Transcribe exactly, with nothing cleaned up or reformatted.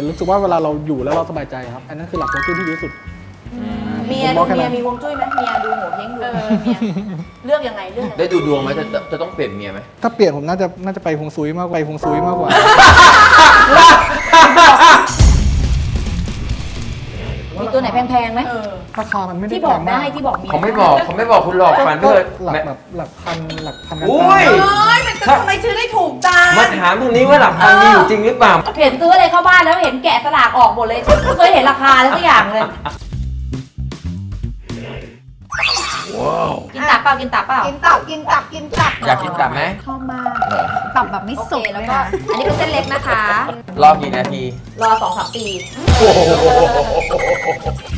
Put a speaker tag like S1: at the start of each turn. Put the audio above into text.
S1: รู้สึกว่าเวลาเราอยู่แล้วเราสบายใจครับอันนั้นคือหลักฮวงจุ้ยที่ดีที่สุด
S2: เมียดูเมียมีฮวงจุ้ยไหมเมียดูโหเฮงดูเมียเลือกยังไงเลือกยังไง
S3: ได้ดูดวงไหมจะจะต้องเปลี่ยนเมียไหม
S1: ถ้าเปลี่ยนผมน่าจะน่าจะไปฮวงซุยมากไปฮวงซุยมากกว่า
S2: มีตัวไหนแพงๆไหม
S1: ราคามันไม่ได้
S2: ที่บอก
S1: แพง
S2: ได้
S1: มาก
S2: ที่บอกเมีย
S3: เขาไม่บอกเขาไม่บอกคุณหลอกฟัน
S1: ก็
S3: เพื่อ
S1: หลักแบบหลักพันหลักพันกัน
S3: อุ้ย
S2: เอ้ยมันจะทำไมชื่อได้ถูกจัง
S3: มาถามตรงนี้ว่าหลักพันมีอยู่จริงหรือเปล่า
S2: เห็นซื้ออะไรเข้าบ้านแล้วเห็นแกะสลากออกหมดเลยไม่เคยเห็นราคาเลยสักอย่างเลยกินตับเปล่ากินตับเปล่า
S4: กินตับกินตับกินตับ
S3: อยากกินตับไหม
S4: ชอบมากตับแบบไม่
S2: โอ
S4: สุ
S2: เค
S4: ก
S2: แล้ว
S4: เลย
S2: ก็
S4: นะ
S2: อันนี้เป็นเส้นเล็กนะคะ
S3: รอกี่นาที
S2: รอสองสามปี
S3: โอ้โห